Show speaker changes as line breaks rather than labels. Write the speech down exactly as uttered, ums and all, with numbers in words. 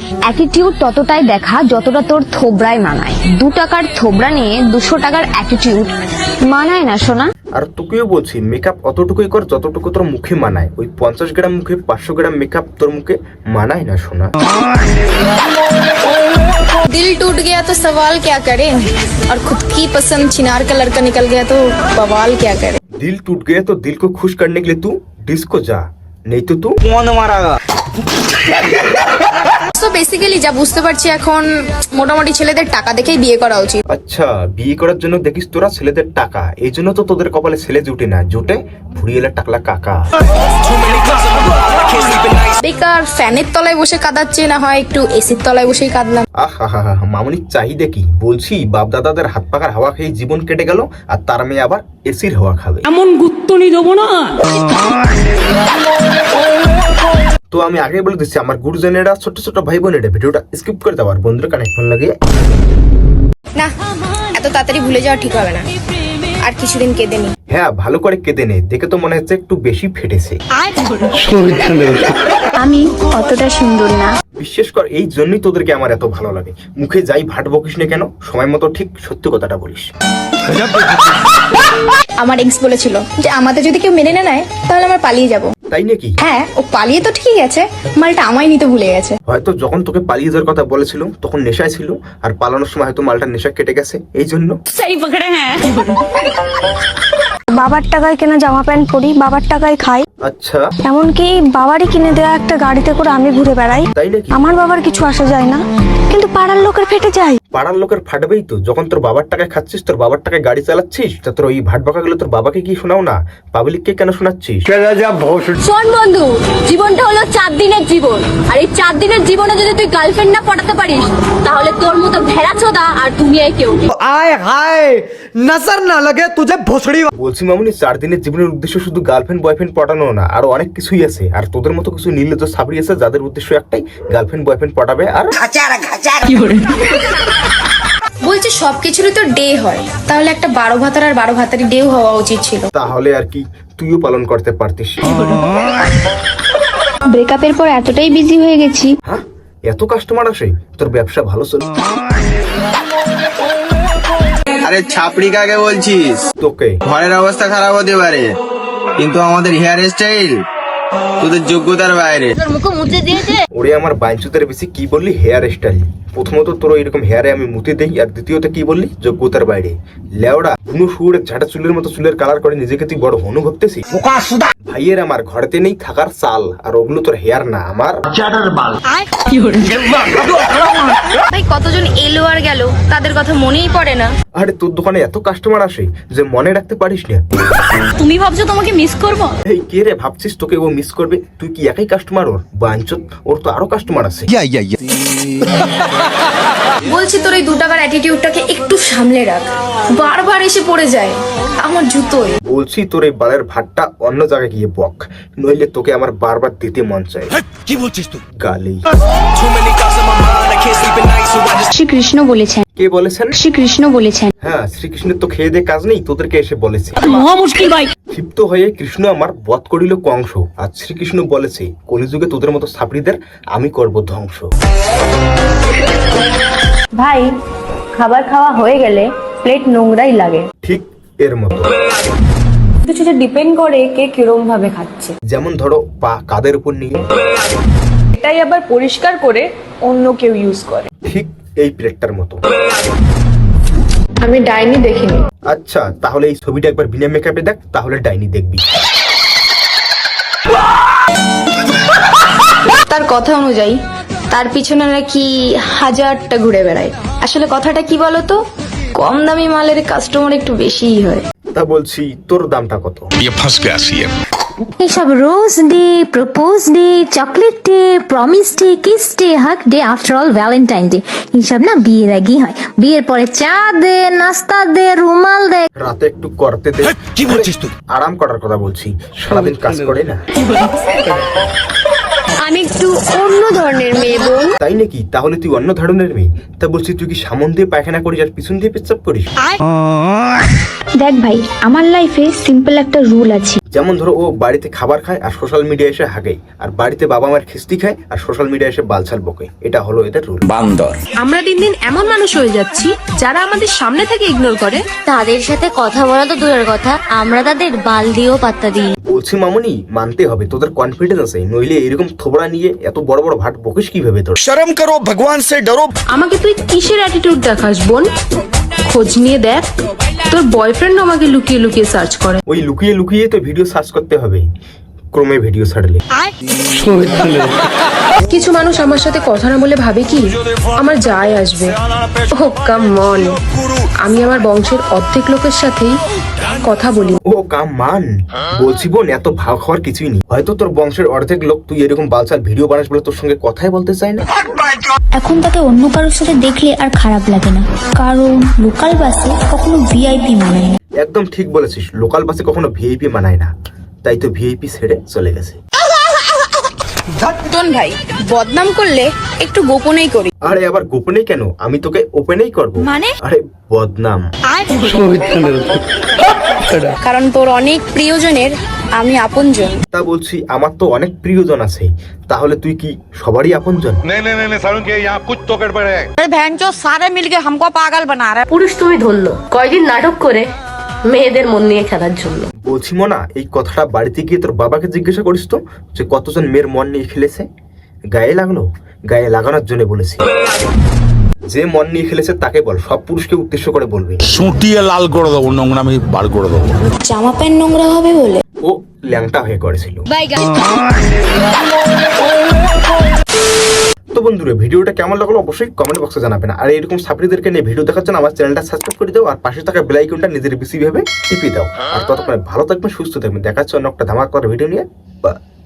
Attitude ততটাই দেখা যতটা তোর থোবরায় মানায়। দু টাকার থোবরা নিয়ে দুশো টাকার অ্যাটিটিউড মানায় না সোনা।
আর তোকেও বলছি মেকআপ অতটুকুই কর যতটুকু তোর মুখে মানায়। ওই পঞ্চাশ গ্রাম মুখে পাঁচশো গ্রাম মেকআপ তোর মুখে মানায় না সোনা।
दिल टूट गया तो सवाल क्या करें और खुद की पसंद छिनार का लड़का निकल गया तो बवाल क्या करे।
दिल टूट गया तो दिल को खुश करने के लिए तू डिस्को जा, नहीं तो तू कौन मारेगा।
তো বেসিক্যালি যা বুঝতে পারছি এখন মোটামুটি ছেলেদের টাকা দেখেই বিয়ে করা উচিত।
আচ্ছা, বিয়ে করার জন্য দেখিস তোরা ছেলেদের টাকা, এই জন্য তো তোদের কপালে ছেলে জুটে না, জুটে ফুরিয়েলা টাকলা কাকা।
বেকার ফ্যানের তলায় বসে কাঁদাচ্ছে, না হয় একটু এসির তলায় বসেই কাঁদলাম।
আহা হা হা, মামুনির চাহিদা কি বলছি? বাপ দাদাদের হাত পাকার হাওয়া খেয়ে জীবন কেটে গেল, আর তার মেয়ে আবার এসির হাওয়া খাবে।
এমন গুত্তনি দেবো না।
তো আমি আগে বলে দিচ্ছি আমার গুরুজনেরা, ছোট ছোট ভাই বোনেরা ভিডিওটা স্কিপ করে দেওয়ার বন্ধুরা কানে ফোন লাগে
না, এত তাড়াতাড়ি ভুলে যাওয়া ঠিক হবে না, আর কিছুদিন কেঁদে নি।
হ্যাঁ, ভালো করে কেঁদে নে, দেখে তো মনে হচ্ছে একটু বেশি ফেটেছে।
আমি অতটা সুন্দর না।
বিশ্বাস কর, এই জন্যই তোদেরকে আমার এত ভালো লাগে। মুখে যাই ভাট বকিস না কেন, সময় মতো ঠিক সত্যি কথাটা বলিস।
আমার এক্স বলেছিল যে আমাদের যদি কেউ মেনে না নেয় তাহলে আমরা পালিয়ে যাব।
তাই নাকি?
হ্যাঁ, ও পালিয়ে তো ঠিকই গেছে, মালটা আমায় নিতে ভুলে গেছে।
হয়তো যখন তোকে পালিয়ে যাওয়ার কথা বলেছিল তখন নেশায় ছিল, আর পালানোর সময় হয়তো মালটা নেশা কেটে গেছে, এই জন্য।
সেই পকড়ে হ্যাঁ।
বাবার টাকায় কেনা জামা প্যান্ট পরি, বাবার টাকায় খাই,
আচ্ছা
এমনকি বাবারই কিনে দেওয়া একটা গাড়িতে করে আমি ঘুরে বেড়াই।
তাই নাকি?
আমার বাবার কিছু আসা যায় না, কিন্তু পাড়ার লোকের ফেটে যায়।
পাড়ার লোকের ফাটবেই তো, যখন তোর বাবার টাকায় খাচ্ছিস, তোর বাবার টাকায় গাড়ি চালাচ্ছিস, তা তোর ওই ভাট বকা গুলো তোর বাবাকে কি শোনাও না, পাবলিককে কেন শোনাচ্ছিস?
শোন বন্ধু, জীবনটা হলো চার দিনের জীবন, আর এই চার দিনের জীবনে যদি তুই গার্লফ্রেন্ড না পটাতে পারিস তাহলে তোর মতো ভেড়া চোদা আর দুনিয়ায় কেউ নেই।
आए हाय नजर ना लगे तुझे भोसड़ी।
বলছি মামুনি, চার দিনের জীবনের উদ্দেশ্য শুধু গার্লফ্রেন্ড বয়ফ্রেন্ড পটানো না, আরো অনেক কিছুই আছে। আর তোদের মতো কিছু নির্লজ্জ সাবরি আছে যাদের উদ্দেশ্য একটাই, গার্লফ্রেন্ড বয়ফ্রেন্ড পটাবে। আর
বলছে সবকিছুরই তো ডে হয়, তাহলে একটা বারো ভাতার আর বারো ভাতারি ডেও হওয়া উচিত ছিল।
তাহলে আর কি তুইও পালন করতে পারতিস।
ব্রেকআপের পর এতটাই বিজি হয়ে গেছি।
হ্যাঁ, এত কাস্টমার আসে, তোর ব্যবসা ভালো চলে।
আরে ছাপড়ি কাকে বলছিস?
তোকে।
ঘরের অবস্থা খারাপ হতে পারে, কিন্তু আমাদের হেয়ার স্টাইল তোদের যোগ্যতার বাইরে।
ওরে আমার বাইঞ্চুতের বেশি কি বললি? Hair style. প্রথমত তোর এরকম হেয়ারে আমি মুতে দেই, আর দ্বিতীয়ত কি বললি? যোগ্যতার বাইরে। লেওড়া কোনো সুরের ঝাঁটা চুলের মতো চুলের কালার করে নিজেকে তুই বড় হনু ভাবতেছিস? ভাইয়ের আমার ঘরেতে নেই থাকার চাল, আর ওগুলো তোর হেয়ার না, আমার
ভাই কতজন এলো আর গেল, তাদের কথা মনেই পড়ে না।
আরে তোর দোকানে এত কাস্টমার আসে যে মনে রাখতে পারিস না।
তুমি ভাবছো তোমাকে মিস করব?
এই কে রে ভাবছিস তোকে ও মিস করবে? তুই কি একাই কাস্টমার ওর? বাঞ্চত, ওর তো আরো কাস্টমার আছে।
বলছি তোর এই দু টাকার অ্যাটিটিউডটাকে একটু সামলে রাখ, বারবার এসে পড়ে যায় আমার জুতোয়।
বলছি তোর এই বালের ভাতটা অন্য জায়গায় গিয়ে বক, নইলে তোকে আমার বারবার দিতে মন চায়।
কি বলছিস তুই?
গালি।
শ্রীকৃষ্ণ বলেছেন।
কে বলেছেন?
শ্রীকৃষ্ণ বলেছেন।
হ্যাঁ, শ্রীকৃষ্ণের তো খেয়ে দে কাজ নেই, তোদেরকে এসে বলেছে।
মহা মুশকিল ভাই।
ক্ষিপ্ত হয়ে কৃষ্ণ আমার বধ করিল কংস, আর শ্রীকৃষ্ণ বলেছে কলিযুগে তোদের মতো ছাপড়িদের আমি করব ধ্বংস।
ভাই, খাবার খাওয়া হয়ে গেলে প্লেট নোংরাই লাগে।
ঠিক এর মতো।
সেটা ডিপেন্ড করে কে কিরম ভাবে খাচ্ছে।
যেমন ধরো পা কাদের উপর নিয়ে,
এটাই আবার পরিষ্কার করে অন্য কেউ ইউজ করে।
ঠিক এই প্লেটটার মতো।
আমি ডাইনি দেখিনি।
আচ্ছা, তাহলে এই ছবিটা একবার বিনা মেকআপে দেখ, তাহলে ডাইনি দেখবি।
তার কথা অনুযায়ী তার পিছনে নাকি হাজারটা ঘুরে বেড়ায়। আসলে কথাটা কি বলতো, কম দামি মালের কাস্টমার একটু বেশিই হয়।
তা বলছি তোর দামটা কত?
এইসব rose day, propose day, chocolate day, promise day, kiss day, hug day, after all Valentine day, এইসব না বিয়ের আগেই হয়। বিয়ের পরে চা দে, নাস্তা দে, রুমাল দে।
রাতে একটু করতে দে।
কি বলছিস তুই?
আরাম করার কথা বলছি, সারাদিন কাজ করে না।
আমি একটু অন্য ধরনের মেয়ে বোন।
তাই নাকি? তাহলে তুই অন্য ধরনের মেয়ে। তা বলছি তুই কি সামন দিয়ে পায়খানা করিস আর পিছন দিয়ে পেচ্ছাপ করিস?
দেখ ভাই, আমার লাইফে সিম্পল একটা রুল আছে।
যেমন ধরো ও বাড়িতে খাবার খায় আর সোশ্যাল মিডিয়া এসে হাগায়, আর বাড়িতে বাবা মার খিস্তি খায় আর সোশ্যাল মিডিয়া এসে বালছাল বকে। এটা হলো এদের রুল।
আমরা দিন দিন এমন মানুষ হয়ে যাচ্ছি যারা আমাদের সামনে থেকে ইগনোর করে।
তাদের সাথে কথা বলা তো দূরের কথা, আমরা তাদের বাল দিয়েও পাত্তা দিই।
বলছি মামুনি, মানতে হবে তোদের কনফিডেন্স আছে, নইলে এরকম থোবড়া নিয়ে এত বড় বড় ভাট বকিস কিভাবে তোর?
शर्म करो भगवान से डरो।
আমাকে তুই কিসের অ্যাটিটিউড দেখাস বোন? খোঁজ নিয়ে দেখ, তোর বয়ফ্রেন্ড আমাকে লুকিয়ে লুকিয়ে সার্চ করে।
ওই লুকিয়ে লুকিয়ে তো ভিডিও সার্চ করতে হবে ক্রমে ভিডিও ছাড়লে।
কিছু মানুষ আমার সাথে কথা না বলে ভাবে কি আমার যায় আসবে। ও কাম অন, আমি আমার বংশের অর্ধেক লোকের সাথেই কথা বলি।
ও কাম মান, বলছি বোন এত ভাগ হওয়ার কিছুই নেই। হয়তো তোর বংশের অর্ধেক লোক তুই এরকম বালছাল ভিডিও বানাস বলে তোর সঙ্গে কথাই বলতে চায় না।
এখন তাকে অন্য কারোর সাথে দেখলে আর খারাপ লাগে না, কারণ লোকাল বাসে কখনো ভিআইপি মানায় না।
একদম ঠিক বলেছিস, লোকাল বাসে কখনো ভিআইপি মানায় না, তাই তো ভিআইপি ছেড়ে চলে গেছে।
টন ভাই, বদনাম করলে একটু গোপনেই করি।
আরে আবার গোপনেই কেন, আমি তোকে ওপেনেই করব।
মানে?
আরে বদনাম।
কারণ তোর অনেক প্রিয়জনের আমি আপনজন।
তা বলছি আমার তো অনেক প্রিয়জন আছে, তাহলে তুই কি সবারই আপনজন?
পুরুষ তুমি ধরলো কয়দিন নাটক করে মেয়েদের মন নিয়ে খেলার জন্য।
বলছি মোনা, এই কথাটা বাড়িতে গিয়ে তোর বাবাকে জিজ্ঞাসা করিস তো, যে কতজন মেয়ের মন নিয়ে খেলেছে। গায়ে লাগলো? গায়ে লাগানোর জন্য বলেছি। যে মন নিয়ে খেলেছে তাকে বল, সব পুরুষকে উদ্দেশ্য করে বলবি।
সুটিয়ে লাল করে দেবো, নোংরা আমি বার করে দেবো।
জামা প্যান্ট নোংরা হবে বলে
ও ল্যাংটা হয়ে করেছিল। তো বন্ধুরা, ভিডিওটা কেমন লাগলো অবশ্যই কমেন্ট বক্সে জানাবেন। আর এরকম সাপড়িদেরকে নিয়ে ভিডিও দেখার জন্য আমার চ্যানেলটা সাবস্ক্রাইব করে দাও, আর পাশে থাকা বেল আইকনটা নিজের বেশি ভাবে টিপে দাও। আর ততক্ষণে ভালো থাকবেন, সুস্থ থাকবেন। দেখা হচ্ছে অন্য একটা ধামাকা করার ভিডিও নিয়ে। বা